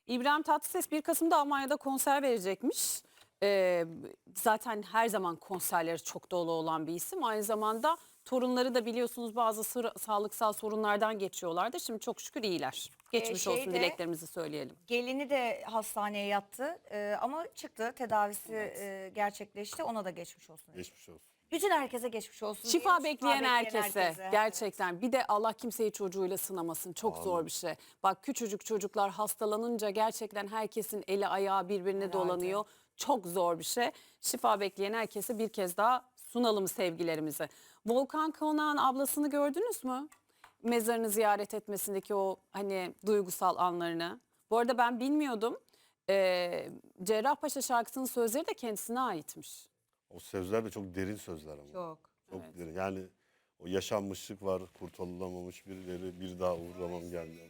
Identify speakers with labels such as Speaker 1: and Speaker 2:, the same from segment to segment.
Speaker 1: İbrahim Tatlıses 1 Kasım'da Almanya'da konser verecekmiş. Zaten her zaman konserleri çok dolu olan bir isim. Aynı zamanda torunları da biliyorsunuz bazı sağlıksal sorunlardan geçiyorlardı. Şimdi çok şükür iyiler. Geçmiş olsun dileklerimizi söyleyelim.
Speaker 2: Gelini de hastaneye yattı ama çıktı, tedavisi gerçekleşti, ona da geçmiş olsun.
Speaker 3: Geçmiş olsun.
Speaker 2: Bütün herkese geçmiş olsun.
Speaker 1: Şifa bekleyen herkese gerçekten bir de Allah kimseyi çocuğuyla sınamasın, çok zor bir şey. Bak küçücük çocuklar hastalanınca gerçekten herkesin eli ayağı birbirine dolanıyor. Çok zor bir şey. Şifa bekleyen herkese bir kez daha sunalım sevgilerimizi. Volkan Konak'ın ablasını gördünüz mü? Mezarını ziyaret etmesindeki o hani duygusal anlarını. Bu arada ben bilmiyordum. Cerrahpaşa şarkısının sözleri de kendisine aitmiş.
Speaker 3: O sözler de çok derin sözler ama.
Speaker 2: Çok.
Speaker 3: Çok derin. Yani o yaşanmışlık var, kurtarılamamış birileri, bir daha uğramam gelmez.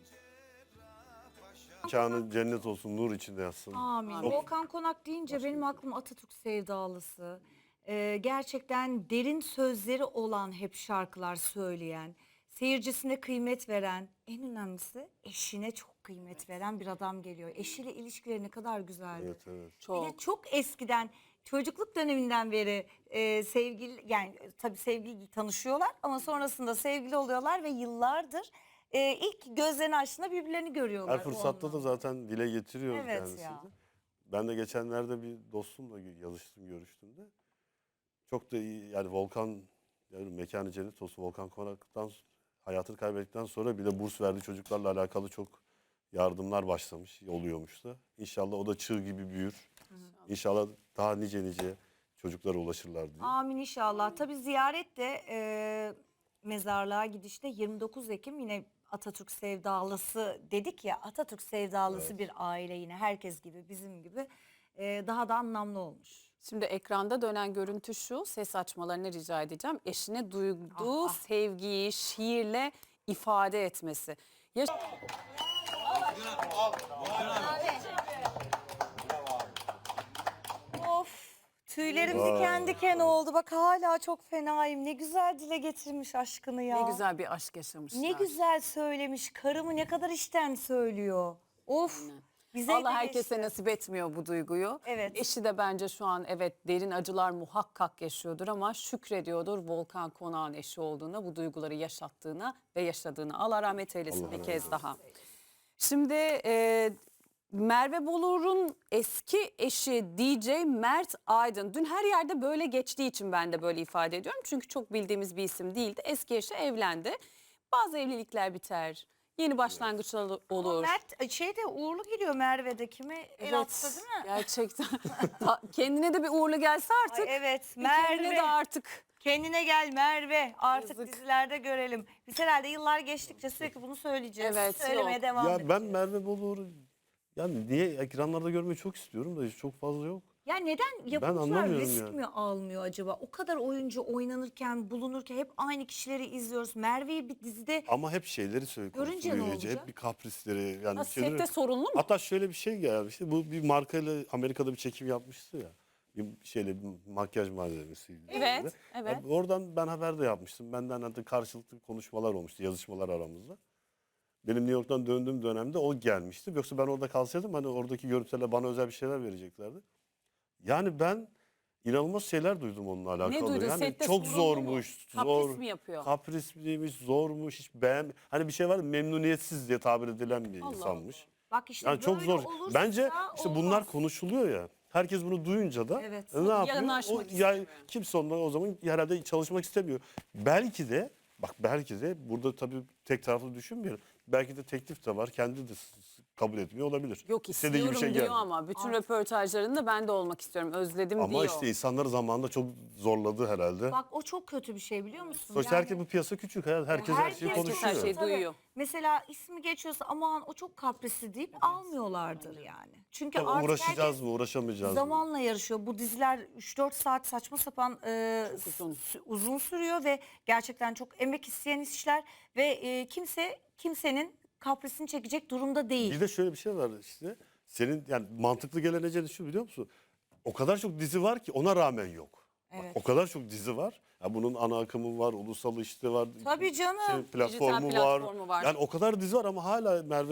Speaker 3: Mekanı cennet olsun, nur içinde yatsın.
Speaker 2: Amin.
Speaker 3: Çok-
Speaker 2: Volkan Konak deyince benim aklım Atatürk sevdalısı. Gerçekten derin sözleri olan hep şarkılar söyleyen, seyircisine kıymet veren, en önemlisi eşine çok kıymet veren bir adam geliyor. Eşiyle ilişkileri ne kadar güzeldi.
Speaker 3: Evet, evet.
Speaker 2: Bir de çok eskiden çocukluk döneminden beri sevgili, yani tabii sevgili tanışıyorlar ama sonrasında sevgili oluyorlar ve yıllardır ilk gözlerini açtığında birbirlerini görüyorlar.
Speaker 3: Her fırsatta da zaten dile getiriyor
Speaker 2: Evet
Speaker 3: kendisi
Speaker 2: ya.
Speaker 3: de. Ben de geçenlerde bir dostumla yazıştım, görüştüm de. Çok da iyi, yani Volkan, yani mekanı cennet olsun, Volkan Konak'tan hayatını kaybettikten sonra bile burs verdiği çocuklarla alakalı çok yardımlar başlamış, oluyormuş da. İnşallah o da çığ gibi büyür. İnşallah daha nice çocuklara ulaşırlar diye.
Speaker 2: Amin inşallah. Tabii ziyaret de mezarlığa gidişte 29 Ekim yine Atatürk sevdalısı dedik ya, Atatürk sevdalısı bir aile, yine herkes gibi bizim gibi daha da anlamlı olmuş.
Speaker 1: Şimdi ekranda dönen görüntü şu, ses açmalarını rica edeceğim. Eşine duyduğu sevgiyi şiirle ifade etmesi.
Speaker 2: Of, tüylerim diken diken oldu. Bak hala çok fenayım. Ne güzel dile getirmiş aşkını ya.
Speaker 1: Ne güzel bir aşk yaşamışlar.
Speaker 2: Ne güzel söylemiş. Karımı ne kadar içten söylüyor. Of. Bize
Speaker 1: Allah
Speaker 2: de
Speaker 1: herkese
Speaker 2: geçti.
Speaker 1: nasip etmiyor bu duyguyu.
Speaker 2: Evet.
Speaker 1: Eşi de bence şu an evet derin acılar muhakkak yaşıyordur ama şükrediyordur Volkan Konak'ın eşi olduğuna, bu duyguları yaşattığına ve yaşadığına. Allah rahmet eylesin
Speaker 3: Allah
Speaker 1: bir
Speaker 3: rahmet
Speaker 1: kez
Speaker 3: eylesin.
Speaker 1: daha. Şimdi Merve Bolur'un eski eşi DJ Mert Aydın. Dün her yerde böyle geçtiği için ben de böyle ifade ediyorum. Çünkü çok bildiğimiz bir isim değildi. Eski eşi evlendi. Bazı evlilikler biter. Yeni başlangıçlar olur.
Speaker 2: Mert şeyde uğurlu gidiyor Merve'de, kime el attı değil mi?
Speaker 1: Gerçekten. Kendine de bir uğurlu gelse artık.
Speaker 2: Ay evet,
Speaker 1: bir kendine
Speaker 2: Merve.
Speaker 1: de artık.
Speaker 2: Kendine gel Merve. Artık
Speaker 1: Yazık.
Speaker 2: dizilerde görelim. Biz herhalde yıllar geçtikçe sürekli bunu söyleyeceğiz.
Speaker 1: Evet,
Speaker 2: Söylemeye
Speaker 1: yok.
Speaker 2: devam
Speaker 3: Ya
Speaker 2: edeceğiz.
Speaker 3: ben Merve Bolur'u yani niye ekranlarda görmeyi çok istiyorum da çok fazla yok.
Speaker 2: Ya neden yapımcılar
Speaker 3: anlamıyorum
Speaker 2: risk
Speaker 3: yani.
Speaker 2: mi almıyor acaba? O kadar oyuncu oynanırken, bulunurken hep aynı kişileri izliyoruz. Merve'yi bir dizide
Speaker 3: Ama hep şeyleri söylüyor.
Speaker 2: Görünce ne olacak?
Speaker 3: Hep bir kaprisleri. Yani
Speaker 1: Nasıl,
Speaker 3: şeyleri-
Speaker 1: sette sorunlu mu?
Speaker 3: Hatta şöyle bir şey gelmişti. Bu bir markayla Amerika'da bir çekim yapmıştı ya. Bir şeyle bir makyaj malzemesiydi.
Speaker 1: Evet,
Speaker 3: böyle.
Speaker 1: evet.
Speaker 3: Ya oradan ben haber de yapmıştım. Benden hatta karşılıklı konuşmalar olmuştu, yazışmalar aramızda. Benim New York'tan döndüğüm dönemde o gelmişti. Yoksa ben orada kalsaydım hani oradaki görüntülerle bana özel bir şeyler vereceklerdi. Yani ben inanılmaz şeyler duydum onunla alakalı.
Speaker 1: Ne duydun?
Speaker 3: Yani
Speaker 1: Sette
Speaker 3: çok
Speaker 1: sorunlu mu?
Speaker 3: zormuş.
Speaker 1: Kapris mi yapıyor?
Speaker 3: Kaprisliymiş, zormuş, hiç hani bir şey var ya, memnuniyetsiz diye tabir edilen bir insanmış.
Speaker 2: bak işte
Speaker 3: Yani çok
Speaker 2: böyle
Speaker 3: zor.
Speaker 2: olursa
Speaker 3: Bence işte bunlar
Speaker 2: olmaz.
Speaker 3: konuşuluyor ya. Herkes bunu duyunca da
Speaker 2: Evet.
Speaker 3: ne yapıyor?
Speaker 1: Yanaşmak
Speaker 3: O,
Speaker 1: istiyor.
Speaker 3: kimse ondan o zaman herhalde çalışmak istemiyor. Belki de belki de burada tabii tek taraflı düşünmeyelim. Belki de teklif de var. Kendi de kabul etmiyor olabilir.
Speaker 1: Yok
Speaker 3: İstediği
Speaker 1: istiyorum diyor
Speaker 3: gelmiyor.
Speaker 1: ama bütün röportajlarında ben de olmak istiyorum. Özledim
Speaker 3: Ama
Speaker 1: diyor.
Speaker 3: işte insanları zamanında çok zorladı herhalde.
Speaker 2: Bak o çok kötü bir şey, biliyor musun?
Speaker 3: Sonuçta herkes, bu piyasa küçük. Herkes her şeyi
Speaker 2: Herkes
Speaker 3: konuşuyor.
Speaker 1: her şeyi
Speaker 2: Tabii.
Speaker 1: duyuyor.
Speaker 2: Mesela ismi geçiyorsa aman o çok kaprisli deyip almıyorlardır yani. Çünkü
Speaker 3: Tabii
Speaker 2: artık
Speaker 3: uğraşacağız
Speaker 2: herkes
Speaker 3: mı, uğraşamayacağız mı?
Speaker 2: zamanla yarışıyor. Bu diziler 3-4 saat saçma sapan
Speaker 1: uzun.
Speaker 2: uzun sürüyor ve gerçekten çok emek isteyen işler ve kimsenin kaprisini çekecek durumda değil.
Speaker 3: Bir de şöyle bir şey var işte. Senin yani mantıklı gelen eceli şu, biliyor musun? O kadar çok dizi var ki ona rağmen yok. Bak,
Speaker 2: Evet.
Speaker 3: o kadar çok dizi var. Ya bunun ana akımı var, ulusal işte var.
Speaker 2: Tabii canım.
Speaker 3: Platformu var.
Speaker 1: platformu var.
Speaker 3: Yani o kadar dizi var ama hala Merve yok.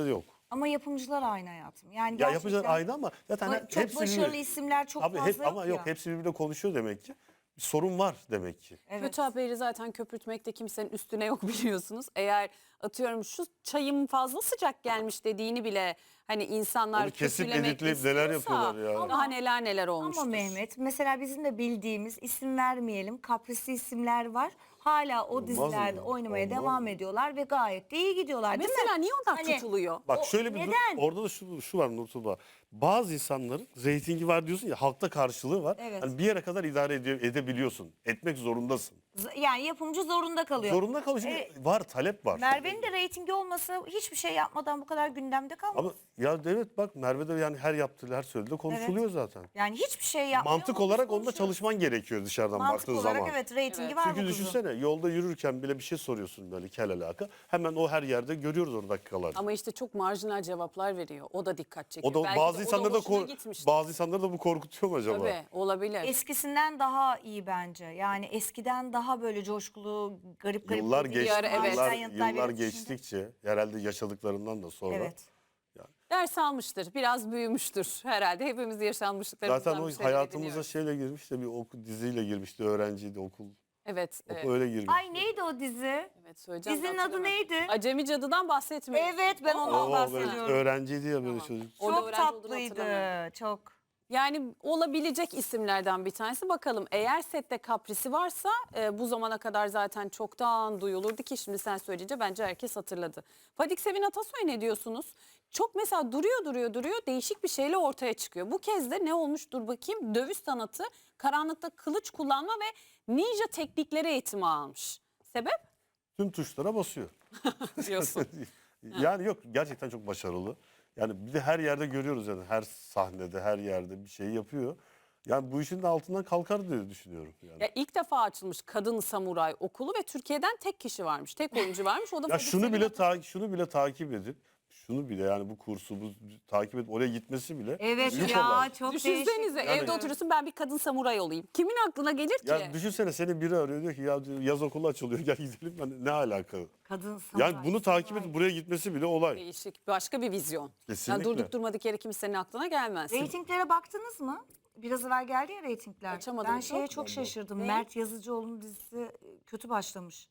Speaker 2: Ama yapımcılar aynı hayatım. Yani
Speaker 3: Ya
Speaker 2: gerçekten
Speaker 3: yapıcılar aynı ama zaten
Speaker 2: çok
Speaker 3: hepsi
Speaker 2: başarılı
Speaker 3: birbiri-
Speaker 2: isimler çok
Speaker 3: Abi
Speaker 2: fazla
Speaker 3: ama yok
Speaker 2: ya.
Speaker 3: hepsi birbirine konuşuyor demek ki. Bir sorun var demek ki.
Speaker 2: Evet.
Speaker 1: Kötü haberi zaten köpürtmekte kimsenin üstüne yok biliyorsunuz. Eğer atıyorum şu çayım fazla sıcak gelmiş dediğini bile hani insanlar
Speaker 3: Onu kesip
Speaker 1: kötülemek
Speaker 3: editleyip neler
Speaker 1: istiyorsa
Speaker 3: yapıyorlar ya.
Speaker 1: daha neler olmuştur.
Speaker 2: Ama Mehmet mesela bizim de bildiğimiz isim vermeyelim kaprisli isimler var. Hala o
Speaker 3: Olmaz
Speaker 2: dizilerde
Speaker 3: mı?
Speaker 2: oynamaya
Speaker 3: Olmaz
Speaker 2: devam
Speaker 3: mı?
Speaker 2: ediyorlar ve gayet de iyi gidiyorlar değil
Speaker 1: Mesela
Speaker 2: mi?
Speaker 1: niye onlar
Speaker 2: Hani-
Speaker 1: tutuluyor?
Speaker 3: Bak
Speaker 2: O
Speaker 3: şöyle bir
Speaker 2: neden?
Speaker 3: orada da şu var Nurtuba. Bazı insanların reytingi var diyorsun ya halkta karşılığı var.
Speaker 2: Evet.
Speaker 3: Hani bir yere kadar idare edebiliyorsun. Etmek zorundasın.
Speaker 2: Yani yapımcı zorunda kalıyor.
Speaker 3: Zorunda kalıyor çünkü var talep var.
Speaker 2: Merve'nin de reytingi olmasa hiçbir şey yapmadan bu kadar gündemde kalmaz.
Speaker 3: Ama ya evet bak Merve de yani her yaptığı her söylediği konuşuluyor zaten.
Speaker 2: Yani hiçbir şey yapmıyor.
Speaker 3: Mantık
Speaker 2: ama biz
Speaker 3: olarak onda
Speaker 2: konuşuyoruz.
Speaker 3: çalışman gerekiyor dışarıdan
Speaker 2: Mantık
Speaker 3: baktığın
Speaker 2: olarak
Speaker 3: zaman.
Speaker 2: evet reytingi
Speaker 1: Evet.
Speaker 2: var bu
Speaker 3: Çünkü
Speaker 2: kızın.
Speaker 3: düşünsene yolda yürürken bile bir şey soruyorsun böyle kel alaka. Hemen o her yerde görüyoruz onu dakikalarca.
Speaker 1: Ama işte çok marjinal cevaplar veriyor. O da dikkat çekiyor.
Speaker 3: O da
Speaker 1: Belki
Speaker 3: bazı
Speaker 1: de
Speaker 3: insanları da
Speaker 1: hoşuna gitmiştir.
Speaker 3: bazı insanları da bu korkutuyor mu acaba?
Speaker 1: Tabii olabilir.
Speaker 2: Eskisinden daha iyi bence. Yani eskiden daha böyle coşkulu, garip
Speaker 3: Yıllar
Speaker 2: böyle
Speaker 3: geçti,
Speaker 1: ara, evet.
Speaker 3: yıllar,
Speaker 2: yanıtlar
Speaker 3: yıllar
Speaker 2: verip şimdi-
Speaker 3: geçtikçe herhalde yaşadıklarından da sonra.
Speaker 2: Evet.
Speaker 1: Ders almıştır. Biraz büyümüştür herhalde. Hepimiz yaşanmışlıklarımızdan
Speaker 3: Zaten o
Speaker 1: bir şeyler
Speaker 3: hayatımıza
Speaker 1: ediniyoruz.
Speaker 3: şeyle girmiş de bir diziyle girmişti öğrenciydi okul
Speaker 1: Evet.
Speaker 3: öyle girmiş.
Speaker 2: Ay neydi o dizi?
Speaker 1: Evet söyleyeceğim.
Speaker 2: Dizinin
Speaker 1: de
Speaker 2: adı
Speaker 1: hatırlamıyorum.
Speaker 2: neydi?
Speaker 1: Acemi Cadı'dan bahsetmiyorum.
Speaker 2: Evet ben ondan
Speaker 3: O böyle
Speaker 2: bahsediyorum.
Speaker 3: öğrenciydi ya böyle
Speaker 1: Tamam.
Speaker 3: çocuk.
Speaker 1: Orada
Speaker 2: Çok
Speaker 1: öğrenci olduğunu
Speaker 2: tatlıydı.
Speaker 1: hatırlamıyorum.
Speaker 2: Çok.
Speaker 1: Yani olabilecek isimlerden bir tanesi. Bakalım eğer sette kaprisi varsa bu zamana kadar zaten çoktan duyulurdu ki şimdi sen söyleyince bence herkes hatırladı. Fadik Sevin Atasoy ne diyorsunuz? Çok mesela duruyor değişik bir şeyle ortaya çıkıyor. Bu kez de ne olmuş dur bakayım dövüş sanatı, karanlıkta kılıç kullanma ve ninja teknikleri eğitimi almış. Sebep?
Speaker 3: Tüm tuşlara basıyor.
Speaker 1: Diyorsun.
Speaker 3: Yani yok gerçekten çok başarılı. Yani bir de her yerde görüyoruz yani her sahnede her yerde bir şey yapıyor. Yani bu işin de altından kalkar diye düşünüyorum yani.
Speaker 1: Ya ilk defa açılmış kadın samuray okulu ve Türkiye'den tek kişi varmış. Tek oyuncu varmış. O da
Speaker 3: Ya
Speaker 1: Fadik
Speaker 3: şunu
Speaker 1: Sevin
Speaker 3: bile
Speaker 1: Atasoy.
Speaker 3: şunu bile takip edip şunu bile yani bu kursu bu takip edip oraya gitmesi bile
Speaker 2: Evet
Speaker 3: büyük
Speaker 2: ya
Speaker 3: olay.
Speaker 2: çok
Speaker 1: Düşünsenize
Speaker 2: değişik.
Speaker 1: evde oturuyorsun ben bir kadın samuray olayım. Kimin aklına gelir ki?
Speaker 3: Ya düşünsene seni biri arıyor diyor ki ya diyor, yaz okulu açılıyor gel gidelim. Yani ne alaka?
Speaker 2: Kadın samuray.
Speaker 3: Yani bunu takip edip buraya gitmesi bile olay.
Speaker 1: Değişik başka bir vizyon.
Speaker 3: Kesinlikle.
Speaker 1: Yani durduk durmadık yere kimsenin aklına gelmez.
Speaker 2: Reytinglere baktınız mı? Biraz evvel geldi ya reytingler.
Speaker 1: Açamadım
Speaker 2: Ben şeye
Speaker 1: çok.
Speaker 2: çok şaşırdım.
Speaker 1: Ne?
Speaker 2: Mert Yazıcıoğlu'nun dizisi kötü başlamış.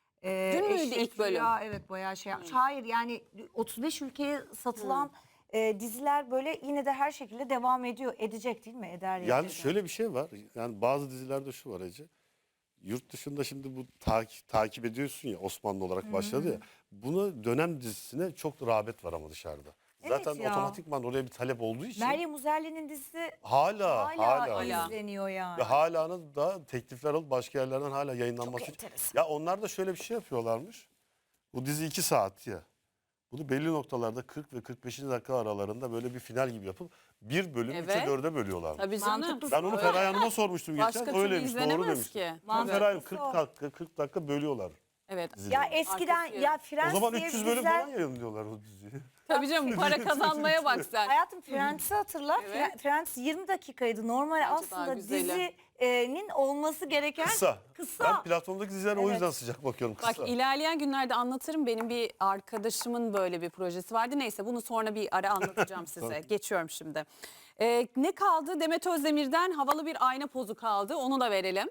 Speaker 1: Dün müydü
Speaker 2: Eşref
Speaker 1: ilk bölüm?
Speaker 2: Rüya, evet bayağı şey yapmış. Hayır yani 35 ülkeye satılan diziler böyle yine de her şekilde devam ediyor. Edecek değil mi? Eder
Speaker 3: Yani şöyle bir şey var. Yani bazı dizilerde şu var Ece. Yurt dışında şimdi bu takip ediyorsun ya Osmanlı olarak başladı ya. Buna dönem dizisine çok rağbet var ama dışarıda.
Speaker 2: Evet
Speaker 3: Zaten
Speaker 2: ya.
Speaker 3: otomatikman oraya bir talep olduğu için
Speaker 2: Meryem Uzerli'nin dizisi
Speaker 3: hala
Speaker 1: Hala.
Speaker 2: izleniyor yani.
Speaker 3: ve hala da teklifler alıp başka yerlerden hala yayınlanması
Speaker 2: Çok
Speaker 3: için.
Speaker 2: enteresan.
Speaker 3: Ya onlar da şöyle bir şey yapıyorlarmış. Bu dizi 2 saat ya. Bunu belli noktalarda 40 ve 45. dakika aralarında böyle bir final gibi yapıp bir bölüm
Speaker 1: Evet.
Speaker 3: 3'e 4'e bölüyorlar.
Speaker 1: Tabii canım.
Speaker 2: Mantıklı.
Speaker 3: Ben onu Feraye Hanım'a sormuştum
Speaker 1: Başka
Speaker 3: geçen.
Speaker 1: türlü
Speaker 3: Öyleymiş doğru
Speaker 1: izlenemez
Speaker 3: demişti.
Speaker 1: ki.
Speaker 3: Ben Feraye Hanım
Speaker 2: Mantıklısı
Speaker 3: 40 dakika bölüyorlar.
Speaker 1: Evet.
Speaker 3: dizileri.
Speaker 2: Ya eskiden
Speaker 1: Arkası
Speaker 2: ya
Speaker 3: O
Speaker 2: Friends
Speaker 3: zaman
Speaker 2: diye
Speaker 3: 300
Speaker 2: bir
Speaker 3: bölüm
Speaker 2: diziler...
Speaker 3: falan yayınlıyorlar o diziyi.
Speaker 1: Tabii canım para kazanmaya bak sen.
Speaker 2: Hayatım Friends'i hatırla.
Speaker 1: Evet.
Speaker 2: Friends 20 dakikaydı. Normal
Speaker 1: daha
Speaker 2: aslında
Speaker 1: güzeli.
Speaker 2: dizinin olması gereken
Speaker 3: Kısa.
Speaker 2: kısa.
Speaker 3: Ben platformdaki dizilere o
Speaker 2: Evet.
Speaker 3: yüzden sıcak bakıyorum kısa.
Speaker 1: Bak ilerleyen günlerde anlatırım. Benim bir arkadaşımın böyle bir projesi vardı. Neyse bunu sonra bir ara anlatacağım size. Geçiyorum şimdi. Ne kaldı? Demet Özdemir'den havalı bir ayna pozu kaldı. Onu da verelim.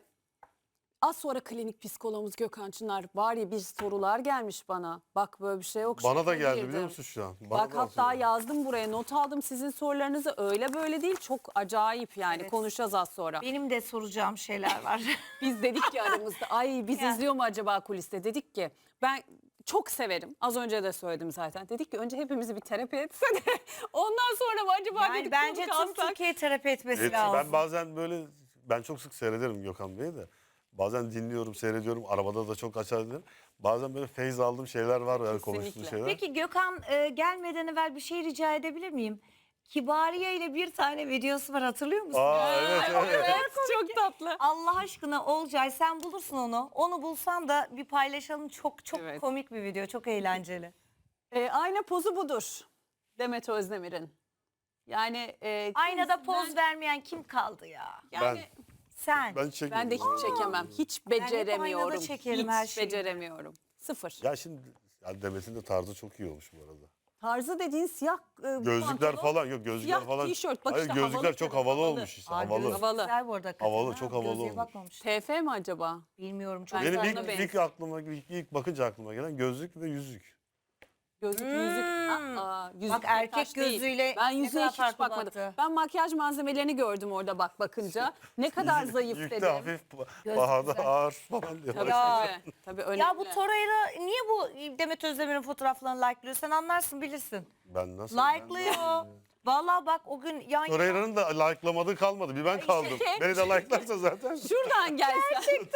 Speaker 1: Az sonra klinik psikologumuz Gökhan Çınar var ya bir sorular gelmiş bana. Bak böyle bir şey yok.
Speaker 3: Bana da
Speaker 1: şoka
Speaker 3: geldi
Speaker 1: girdim.
Speaker 3: biliyor musun şu an? Bana
Speaker 1: Bak
Speaker 3: da
Speaker 1: hatta
Speaker 3: atıyor.
Speaker 1: yazdım buraya not aldım sizin sorularınızı öyle böyle değil çok acayip yani
Speaker 2: Evet.
Speaker 1: konuşacağız az sonra.
Speaker 2: Benim de soracağım şeyler var.
Speaker 1: Biz dedik ki aramızda ay biz
Speaker 2: Ya.
Speaker 1: izliyor mu acaba kuliste dedik ki ben çok severim az önce de söyledim zaten dedik ki önce hepimizi bir terapi etse de ondan sonra mı acaba
Speaker 2: Yani
Speaker 1: dedik
Speaker 2: bence
Speaker 1: konuk
Speaker 2: tüm
Speaker 1: alsak?
Speaker 2: Türkiye terapi etmesi
Speaker 3: Evet,
Speaker 2: lazım.
Speaker 3: ben bazen böyle ben çok sık seyrederim Gökhan Bey'i de. Bazen dinliyorum, seyrediyorum. Arabada da çok açar dinlerim. Bazen böyle feyz aldığım şeyler var yani konuştuğu
Speaker 1: Kesinlikle.
Speaker 3: şeyler.
Speaker 2: Peki Gökhan gelmeden evvel bir şey rica edebilir miyim? Kibariye ile bir tane videosu var hatırlıyor musun?
Speaker 3: Aa evet evet.
Speaker 1: Evet çok tatlı.
Speaker 2: Allah aşkına Olcay sen bulursun onu. Onu bulsan da bir paylaşalım. Çok
Speaker 1: Evet.
Speaker 2: komik bir video. Çok eğlenceli.
Speaker 1: Ayna pozu budur Demet Özdemir'in. Yani
Speaker 2: Aynada poz vermeyen kim kaldı ya?
Speaker 1: yani
Speaker 2: Sen.
Speaker 3: Ben çekmedim.
Speaker 1: ben de hiç çekemem. Hiç beceremiyorum.
Speaker 2: çekerim
Speaker 1: Hiç
Speaker 2: her şeyi.
Speaker 1: beceremiyorum. Sıfır.
Speaker 3: Ya şimdi ya Demet'in de tarzı çok iyi olmuş bu arada.
Speaker 1: Tarzı dediğin siyah
Speaker 3: Gözlükler
Speaker 1: pantolon,
Speaker 3: falan yok, gözlükler
Speaker 1: siyah
Speaker 3: falan.
Speaker 1: tişört. Bak
Speaker 3: Hayır,
Speaker 1: işte
Speaker 3: gözlükler
Speaker 1: havalı
Speaker 3: çok
Speaker 1: tabii,
Speaker 3: havalı olmuş işte,
Speaker 2: Aa,
Speaker 3: havalı.
Speaker 2: gözlük
Speaker 1: Havalı.
Speaker 2: güzel bu arada hakikaten
Speaker 3: Havalı,
Speaker 2: ha.
Speaker 3: çok havalı
Speaker 2: Gözlüğe
Speaker 3: olmuş.
Speaker 2: bakmamıştım.
Speaker 1: TF mi acaba?
Speaker 2: Bilmiyorum çok.
Speaker 1: Bence
Speaker 3: Benim
Speaker 1: ona benziyor.
Speaker 3: ilk aklıma, ilk bakınca aklıma gelen gözlük ve yüzük.
Speaker 1: Gözlük, yüzük. Yüzük
Speaker 2: Bak
Speaker 1: de
Speaker 2: erkek
Speaker 1: taş değil.
Speaker 2: gözüyle
Speaker 1: Ben
Speaker 2: ne
Speaker 1: yüzüğe
Speaker 2: kadar
Speaker 1: hiç
Speaker 2: farklı
Speaker 1: bakmadım.
Speaker 2: baktı.
Speaker 1: Ben makyaj malzemelerini gördüm orada bakınca. Ne kadar zayıf
Speaker 3: Yükte
Speaker 1: dedim.
Speaker 3: hafif,
Speaker 2: Gözlük
Speaker 3: pahada
Speaker 2: güzel.
Speaker 3: ağır falan diyor.
Speaker 1: Tabii
Speaker 2: Ya.
Speaker 1: tabii. Tabii önemli.
Speaker 2: Ya bu Torreira niye bu Demet Özdemir'in fotoğraflarını like'lıyor? Sen anlarsın bilirsin.
Speaker 3: Ben nasıl?
Speaker 2: Like'lıyor. Vallahi bak o gün yan yana.
Speaker 3: Torreira'nın da like'lamadığı kalmadı. Bir ben kaldım. Beni de like'larsa zaten.
Speaker 1: Şuradan gelse. Gerçekten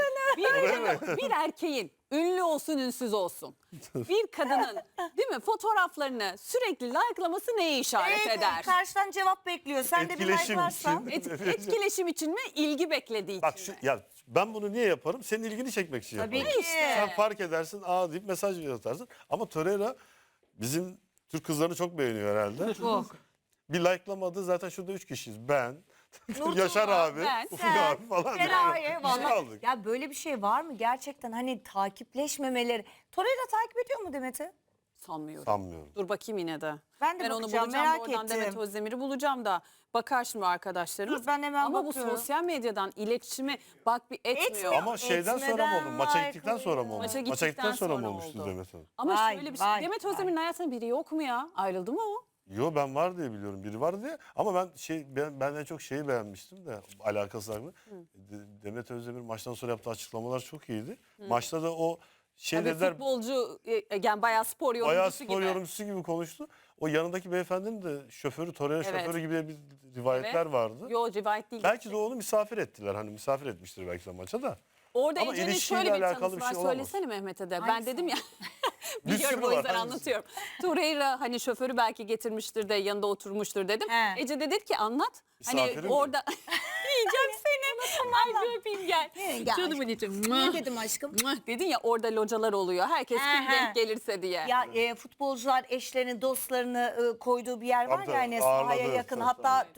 Speaker 1: bir erkeğin ünlü olsun ünsüz olsun. Bir kadının değil mi fotoğraflarını sürekli likelaması neye işaret
Speaker 2: Evet,
Speaker 1: eder?
Speaker 2: karşıdan cevap bekliyor. Sen de bir
Speaker 3: Etkileşim
Speaker 2: like'larsan.
Speaker 3: için.
Speaker 1: Etkileşim için mi? İlgi beklediği
Speaker 3: Bak
Speaker 1: için
Speaker 3: şu,
Speaker 1: mi?
Speaker 3: ya ben bunu niye yaparım? Senin ilgini çekmek için
Speaker 2: Tabii
Speaker 3: yaparım.
Speaker 2: ki.
Speaker 3: Sen fark edersin, aa deyip mesaj atarsın. Ama Torreira bizim Türk kızlarını çok beğeniyor herhalde.
Speaker 2: Çok.
Speaker 3: Bir like'lamadı, zaten şurada 3 kişiyiz. Ben,
Speaker 2: Nurtuğ,
Speaker 3: Yaşar abi,
Speaker 1: ben,
Speaker 3: Ufuk
Speaker 2: sen,
Speaker 3: abi falan.
Speaker 2: Feraye
Speaker 3: Biz
Speaker 2: vallahi.
Speaker 3: kaldık.
Speaker 2: Ya böyle bir şey var mı gerçekten hani takipleşmemeleri? Torreira takip ediyor mu Demet'i?
Speaker 1: Sanmıyorum.
Speaker 3: Sanmıyorum.
Speaker 1: Dur bakayım yine de.
Speaker 2: Ben de
Speaker 1: onu
Speaker 2: bakacağım,
Speaker 1: bulacağım
Speaker 2: merak
Speaker 1: oradan
Speaker 2: ettim.
Speaker 1: Demet Özdemir'i bulacağım da bakar şimdi arkadaşlarımız.
Speaker 2: Dur, ben hemen
Speaker 1: Ama
Speaker 2: bakıyorum.
Speaker 1: bu sosyal medyadan iletişimi bak bir etmiyor.
Speaker 2: Etmiyor.
Speaker 3: Ama şeyden sonra mı oldu? Maça
Speaker 2: Etmeden
Speaker 3: gittikten sonra mı oldu?
Speaker 1: Maça
Speaker 3: Maça gittikten sonra mı
Speaker 1: sonra
Speaker 3: olmuştu
Speaker 1: oldu.
Speaker 3: Demet Hanım?
Speaker 1: Ama
Speaker 2: Vay,
Speaker 1: şöyle bir şey.
Speaker 2: vay,
Speaker 1: Demet
Speaker 2: vay.
Speaker 1: Özdemir'in hayatında biri yok mu ya? Ayrıldı mı o?
Speaker 3: Yo, ben var diye biliyorum. Biri var diye. Ama ben en çok şeyi beğenmiştim de alakası var mı? Demet Özdemir maçtan sonra yaptığı açıklamalar çok iyiydi. Maçta da o
Speaker 1: Tabii
Speaker 3: dediler,
Speaker 1: futbolcu yani bayağı spor yorumcusu
Speaker 3: bayağı spor
Speaker 1: gibi.
Speaker 3: yorumcusu gibi konuştu. O yanındaki beyefendinin de şoförü, Torreira
Speaker 1: Evet.
Speaker 3: şoförü gibi bir rivayetler
Speaker 1: Evet.
Speaker 3: vardı.
Speaker 1: Yo rivayet değil.
Speaker 3: Belki de onu misafir ettiler. Hani misafir etmiştir belki de maça da.
Speaker 1: Orada
Speaker 3: Ama
Speaker 1: Ece'nin
Speaker 3: ilişkiyle
Speaker 1: şöyle bir
Speaker 3: alakalı
Speaker 1: tanısı
Speaker 3: bir
Speaker 1: var.
Speaker 3: şey olamaz.
Speaker 1: Söylesene Mehmet'e de. Ben
Speaker 2: Hangisi
Speaker 1: dedim ya.
Speaker 3: Bir
Speaker 1: Biliyorum
Speaker 3: sürü
Speaker 1: o
Speaker 3: var,
Speaker 1: yüzden
Speaker 3: hangisi?
Speaker 1: anlatıyorum. Torreira hani şoförü belki getirmiştir de yanında oturmuştur dedim.
Speaker 2: He.
Speaker 1: Ece de dedi ki anlat.
Speaker 3: Misafirim
Speaker 1: Hani orada yiyeceğim seni. Ay bir öpeyim gel.
Speaker 2: Gel
Speaker 1: Canımın içi.
Speaker 2: Ne dedim aşkım?
Speaker 1: Dedin ya orada localar oluyor. Herkes
Speaker 2: He,
Speaker 1: kim
Speaker 2: he.
Speaker 1: denk gelirse diye.
Speaker 2: Ya futbolcular eşlerini, dostlarını koyduğu bir yer var
Speaker 3: Tabii,
Speaker 2: ya hani
Speaker 3: ağırladı.
Speaker 2: sahaya yakın.
Speaker 3: Tabii,
Speaker 2: Hatta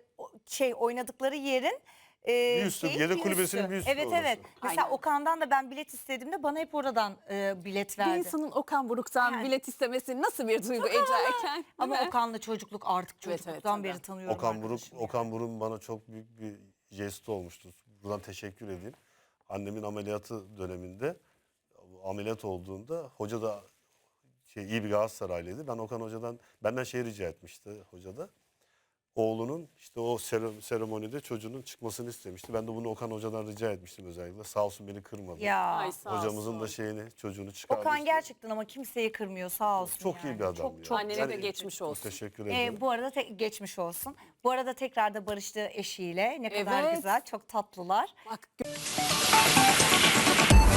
Speaker 2: oynadıkları yerin
Speaker 3: Bir üstü,
Speaker 2: şeyi,
Speaker 3: yedek
Speaker 2: bir
Speaker 3: kulübesinin bir üstü
Speaker 2: Evet
Speaker 3: orası.
Speaker 2: evet. Mesela
Speaker 1: Aynen.
Speaker 2: Okan'dan da ben bilet istediğimde bana hep oradan bilet
Speaker 1: Bir
Speaker 2: verdi.
Speaker 1: insanın Okan Buruk'tan
Speaker 2: Yani.
Speaker 1: bilet istemesi nasıl bir duygu Ece Erken?
Speaker 2: Ama
Speaker 1: değil mi?
Speaker 2: Okan'la çocukluk artık
Speaker 1: Evet, evet,
Speaker 2: çocukluktan
Speaker 1: tabii.
Speaker 2: beri tanıyorum.
Speaker 3: Okan Buruk,
Speaker 2: arkadaşım ya.
Speaker 3: Okan Buruk'un bana çok büyük bir jesti olmuştu. Buradan teşekkür edeyim. Annemin ameliyatı döneminde ameliyat olduğunda hoca da iyi bir Galatasaraylıydı. Ben Okan Hoca'dan benden şey rica etmişti hoca da. Oğlunun işte o seremonide çocuğunun çıkmasını istemişti. Ben de bunu Okan Hoca'dan rica etmiştim özellikle. Sağ olsun beni kırmadı.
Speaker 2: Ya
Speaker 1: Ay, sağ
Speaker 3: Hocamızın
Speaker 1: olsun.
Speaker 3: da şeyini, çocuğunu çıkardı.
Speaker 2: Okan
Speaker 3: işte.
Speaker 2: gerçekten ama kimseyi kırmıyor sağ olsun.
Speaker 3: Çok
Speaker 2: yani.
Speaker 3: iyi bir adam
Speaker 2: Çok
Speaker 3: ya.
Speaker 2: çok.
Speaker 1: Annene de geçmiş olsun.
Speaker 3: Teşekkür ederim.
Speaker 2: Bu arada geçmiş olsun. Bu arada tekrar da barıştı eşiyle. Ne kadar
Speaker 1: Evet.
Speaker 2: güzel, çok tatlılar.
Speaker 1: Bak